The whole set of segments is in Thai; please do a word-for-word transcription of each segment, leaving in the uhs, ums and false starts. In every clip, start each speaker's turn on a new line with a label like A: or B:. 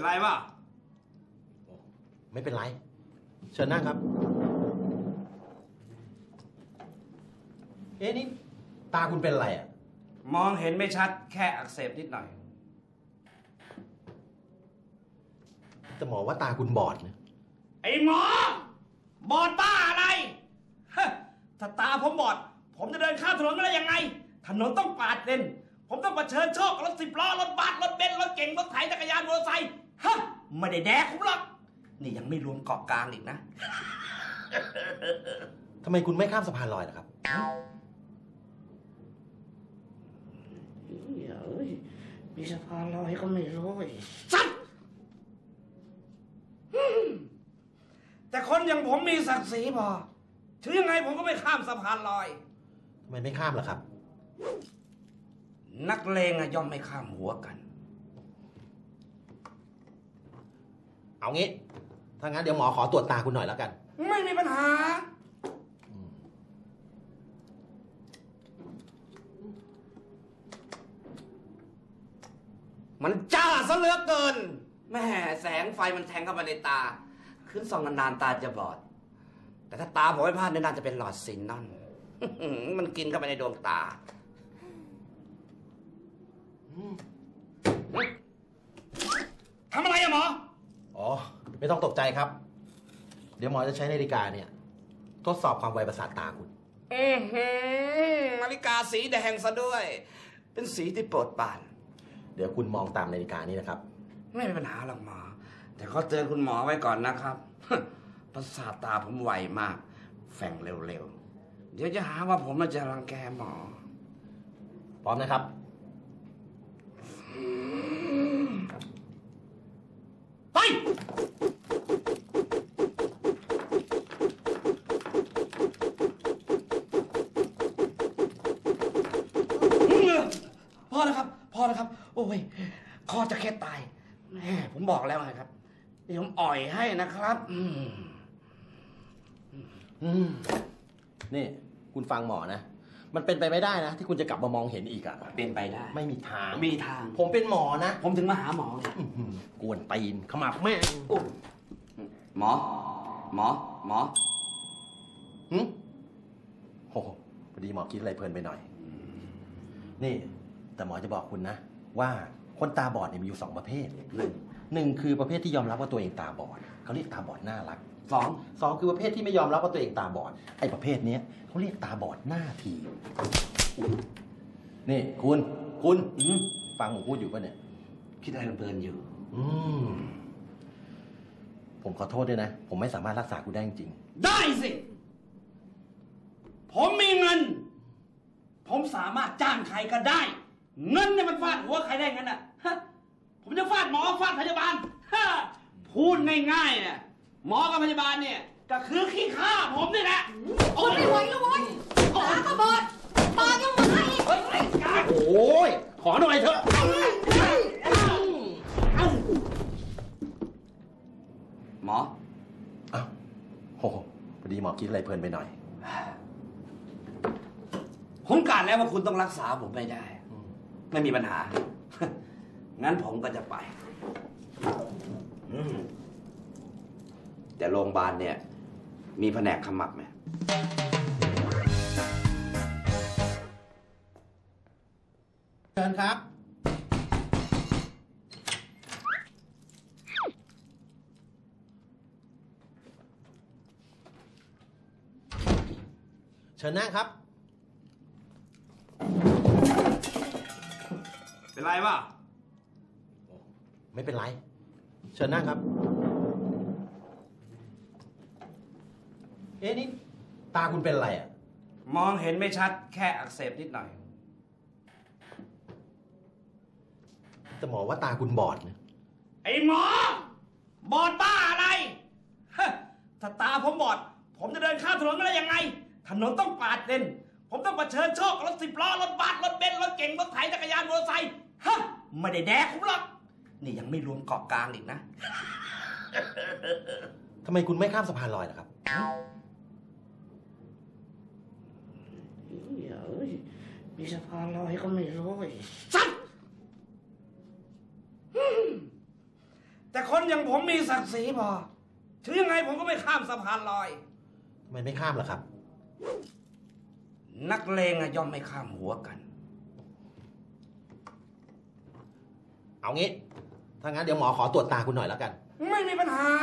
A: ไรวะ
B: ไม่เป็นไรเชิญนั่งครับเอ๊ะนี่ตาคุณเป็นอะไรอ่ะ
A: มองเห็นไม่ชัดแค่อักเสบนิดหน่อย
B: แต่หมอว่าตาคุณบอดนะ
A: ไอ้หมอบอดบ้าอะไรถ้าตาผมบอดผมจะเดินข้ามถนนไม่ได้ยังไงถนนต้องปาดเลนผมต้องเผชิญโชครถสิบล้อรถบัสรถเบนซ์รถเก๋งรถไถจักรยานมอเตอร์ไซค์ฮะไม่ได้แดกผมหรอกนี่ยังไม่รวมเกาะกลางอีกนะ
B: ทำไมคุณไม่ข้ามสะพานลอยล่ะครับ
A: เฮ้ยมีสะพานลอยก็ไม่รู้สัตว์แต่คนอย่างผมมีศักดิ์ศรีพอถึงยังไงผมก็ไม่ข้ามสะพานลอย
B: ทำไมไม่ข้ามล่ะครับ
A: นักเลงอะย่อมไม่ข้ามหัวกัน
B: เอางี้ถ้างั้นเดี๋ยวหมอขอตรวจตาคุณหน่อยแล้วกัน
A: ไม่มีปัญหามันจ้าซะเหลือเกินแม่แสงไฟมันแทงเข้ามาในตาขึ้นส่องนานๆตาจะบอดแต่ถ้าตาผมไม่พลาดน่าจะเป็นหลอดซินนอนมันกินเข้าไปในดวงตาทำอะไรอะหมอ
B: อ๋อไม่ต้องตกใจครับเดี๋ยวหมอจะใช้นาฬิกาเนี่ยทดสอบความไวประสาทตาคุณ
A: อือหือนาฬิกาสีแดงซะด้วยเป็นสีที่โปรดปราน
B: เดี๋ยวคุณมองตามนาฬิกานี้นะครับ
A: ไม่มีปัญหาหรอกหมอแต่ขอเตือนคุณหมอไว้ก่อนนะครับประสาทตาผมไวมากแฝงเร็วๆเดี๋ยวจะหาว่าผมจะรังแกหมอ
B: พร้อมนะครับ
A: ไปพอแล้วครับพอแล้วครับโอ้ยคอจะแค่ตายแม่ผมบอกแล้วไงครับเดี๋ยวผมอ่อยให้นะครับอืม
B: อืมนี่คุณฟังหมอนะมันเป็นไปไม่ได้นะที่คุณจะกลับมามองเห็นอีกอะ
A: เป็นไปได้
B: ไม่มีทาง
A: มีทาง
B: ผมเป็นหมอนะ
A: ผมถึงมาหาหมอไง
B: กวนตีนขมับแม่
A: หมอหมอหมอ
B: หืมโอ้โหพอดีหมอคิดอะไรเพลินไปหน่อยนี่แต่หมอจะบอกคุณนะว่าคนตาบอดเนี่ยมีอยู่สองประเภทหนึ่งหนึ่งคือประเภทที่ยอมรับว่าตัวเองตาบอดเขาเรียกตาบอดน่ารัก
A: สอง
B: สองคือประเภทที่ไม่ยอมรับว่าตัวเองตาบอดไอ้ประเภทนี้เขาเรียกตาบอดหน้าทีนี่คุณคุณฟังผมพูดอยู่ป่ะเนี่ย
A: คิดอะไรเพลินอยู่
B: อืมผมขอโทษด้วยนะผมไม่สามารถรักษาคุณได้จริง
A: ได้สิผมมีเงินผมสามารถจ้างใครก็ได้เงินเนี่ยมันฟาดหัวใครได้งั้นอ่ะผมจะฟาดหมอฟาดพยาบาลพูดง่ายๆเนี่ยหมอกับพยาบาลเนี่ยก็คือขี้ข้าผมนี่แหละ
C: โอ้ยไม่ไหวแล้วเว้ยตาก็บอดตายังมาอีก
B: โอ้ยขอหน่อยเถอะ
A: หมอ
B: อ้าวโหพอดีหมอคิดอะไรเพลินไปหน่อย
A: ผมกะแล้วว่าคุณต้องรักษาผมไม่ได้ไม่มีปัญหางั้นผมก็จะไปแต่โรงพยาบาลเนี่ยมีแผนกขมับไหม
B: เชิญครับเชิญนั่งครับ
A: เป็นไรวะ
B: ไม่เป็นไรเชิญนั่งครับเอ๊ะนี่ตาคุณเป็นอะไรอ่ะ
A: มองเห็นไม่ชัดแค่อักเสบนิดหน่อย
B: แต่หมอว่าตาคุณบอดนะ
A: ไอ้หมอบอดบ้าอะไรถ้าตาผมบอดผมจะเดินข้ามถนนไม่ได้ยังไงถนนต้องปาดเลนผมต้องเผชิญโชครถสิบล้อรถบัสรถเบนซ์รถเก๋งรถไถจักรยานมอเตอร์ไซค์ฮะไม่ได้แดกผมหรอกนี่ยังไม่รวมเกาะกลางอีกนะ
B: ทำไมคุณไม่ข้ามสะพานลอยล่ะครับ
A: มีสะพานลอยก็ไม่รู้สัตว์แต่คนอย่างผมมีศักดิ์ศรีพอถึงยังไงผมก็ไม่ข้ามสะพานลอย
B: ทำไมไม่ข้ามล่ะครับ
A: นักเลงอะย่อมไม่ข้ามหัวกัน
B: เอางี้ ถ้างั้นเดี๋ยวหมอขอตรวจตาคุณหน่อยแล้วกัน
A: ไม่มีปัญหา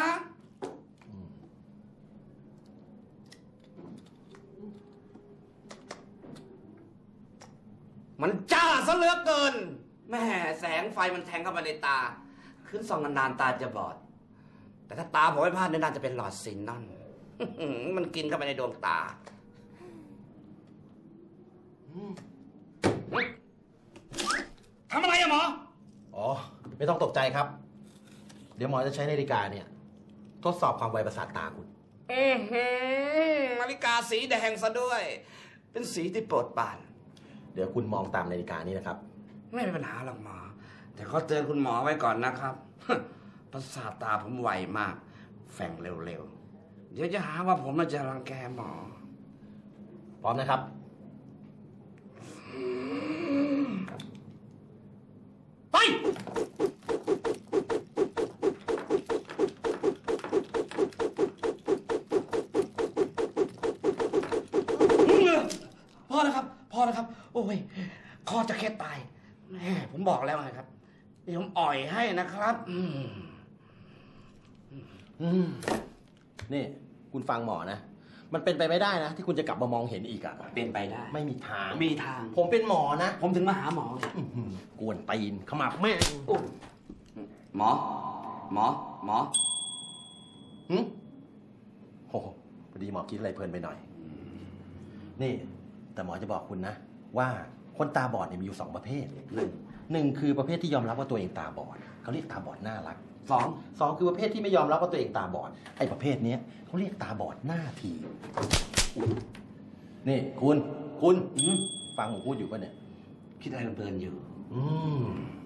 A: มันจ้าซะเหลือเกิน แม่แสงไฟมันแทงเข้ามาในตา ขึ้นส่องนานๆตาจะบอด แต่ถ้าตาผมไม่พลาดเนี่ยน่าจะเป็นหลอดซินนอน มันกินเข้าไปในดวงตา ทำอะไรอะหมอ
B: อ๋อ ไม่ต้องตกใจครับ เดี๋ยวหมอจะใช้นาฬิกาเนี่ย ทดสอบความไวประสาทตาคุณ
A: อือหือนาฬิกาสีแดงซะด้วย เป็นสีที่โปรดปราน
B: เดี๋ยวคุณมองตามนาฬิกานี้นะครับ
A: ไม่มีปัญหาหรอกหมอ แต่ขอเตือนคุณหมอไว้ก่อนนะครับ ประสาทตาผมไวมาก แฝงเร็วๆ เดี๋ยวจะหาว่าผมน่าจะรังแกหมอ
B: พร้อมนะครับ
A: ไป พอแล้วครับ พอแล้วครับ โอ้ย คอจะแค่ตายแม่ผมบอกแล้วไงครับ เดี๋ยวผมอ่อยให้นะครับ อืม
B: อืม นี่คุณฟังหมอนะ มันเป็นไปไม่ได้นะ ที่คุณจะกลับมามองเห็นอีกอะ
A: เป็นไปได้
B: ไม่มีทาง
A: มีทาง
B: ผมเป็นหมอนะ
A: ผมถึงมาหาหมอไง
B: อื้อหือกวนตีนขมับแม่ง
A: หมอ หมอ หมอ
B: หึโอ้โหพอดีหมอคิดอะไรเพลินไปหน่อย นี่ แต่หมอจะบอกคุณนะ ว่าคนตาบอดเนี่ยมีอยู่สองประเภท
A: หนึ่ง
B: หนึ่งคือประเภทที่ยอมรับว่าตัวเองตาบอดเขาเรียกตาบอดน่ารัก
A: สอง
B: สองคือประเภทที่ไม่ยอมรับว่าตัวเองตาบอดไอ้ประเภทเนี้ยเขาเรียกตาบอดหน้าทีนี่คุณคุณ
A: อืม
B: ฟังผมพูดอยู่ป่ะเนี่ย
A: คิดอะไรเพลินๆอยู่
B: อืม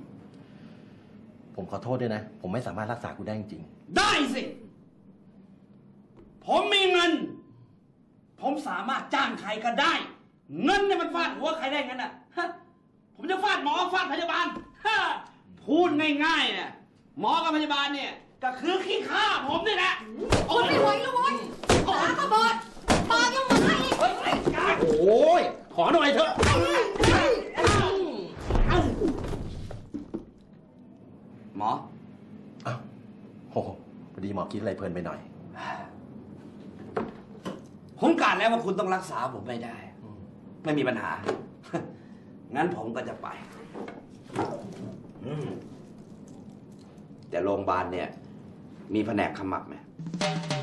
B: ผมขอโทษด้วยนะ ผมไม่สามารถรักษาคุณได้จริง
A: ได้สิ ผมมีเงิน ผมสามารถจ้างใครก็ได้ เงินเนี่ยมันฟาดหัวใครได้งั้นอ่ะฮะผมจะฟาดหมอฟาดพยาบาลฮะพูดง่ายๆเนี่ยหมอกับพยาบาลเนี่ยก็คือขี้ข้าผมนี่แหละ
C: ทนไม่ไหวแล้วเว้ยตาก็บอดปากยังมาอีก
A: เฮ้ยไอ้กาย
B: ๆ โอ้ยขอหน่อยเถอะ
A: หมอ
B: อ้าวโอ้โหพอดีหมอคิดอะไรเพลินไปหน่อย
A: ผมกาดแล้วว่าคุณต้องรักษาผมไม่ได้ ไม่มีปัญหา งั้นผมก็จะไปอืมแต่โรงพยาบาลเนี่ย มีแผนกขมับไหม